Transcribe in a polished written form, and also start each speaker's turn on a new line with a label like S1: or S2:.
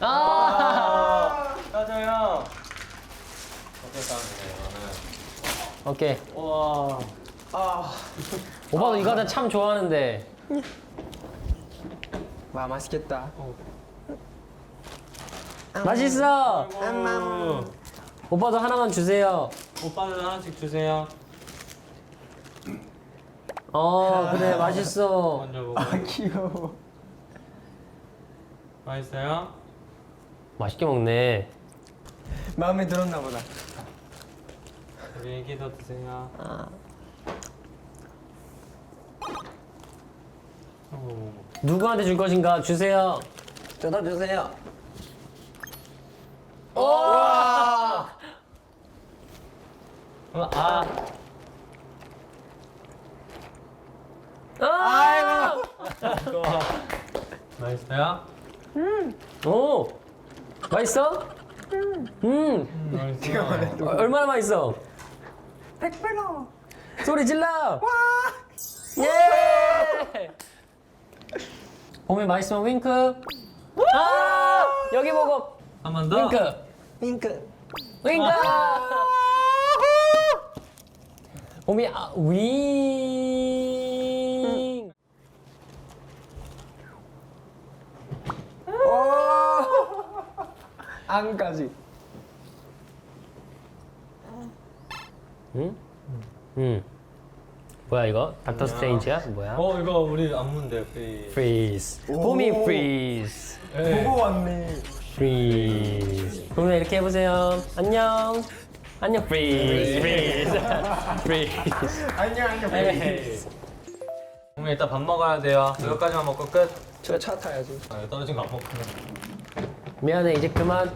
S1: 따져요. 어떻게 따주세요, 이거는?
S2: 오케이.
S1: 와.
S2: 오빠도 이거 하다 참 좋아하는데.
S3: 와 맛있겠다.
S2: 맛있어. 오빠도 하나만 주세요.
S1: 오빠들 하나씩 주세요.
S2: 그래 맛있어.
S1: 먼저 보고.
S3: 귀여워.
S1: 맛있어요?
S2: 맛있게 먹네.
S3: 마음에 들었나 보다.
S1: 우리 애기도 드세요.
S2: 누구한테 줄 것인가 주세요.
S3: 저도 주세요.
S2: 아이고.
S1: 맛있어요?
S2: 오. 맛있어?
S1: 맛있어요.
S2: 얼마나 맛있어?
S3: 100배로.
S2: 소리 질러. 와. 예. 봄에 맛있으면 윙크. 여기 보고
S1: 한 번 더.
S2: 윙크.
S3: 윙크.
S2: 윙크. 봄이 윙.
S3: 안까지.
S2: 응. 뭐야 이거? 닥터 스트레인지야? 뭐야?
S1: 이거 우리 안무인데,
S2: 프리즈. 봄이 프리즈.
S3: 보고 왔네.
S2: 프리즈. 봄이 이렇게 해보세요. 안녕. 안녕 프리즈. 프리즈. 프리즈.
S3: 안녕 안녕.
S1: 그럼 일단 밥 먹어야 돼요. 이거까지만 먹고 끝.
S3: 저 차 타야지.
S1: 떨어진 거 안 먹고.
S2: 미안해 이제 그만.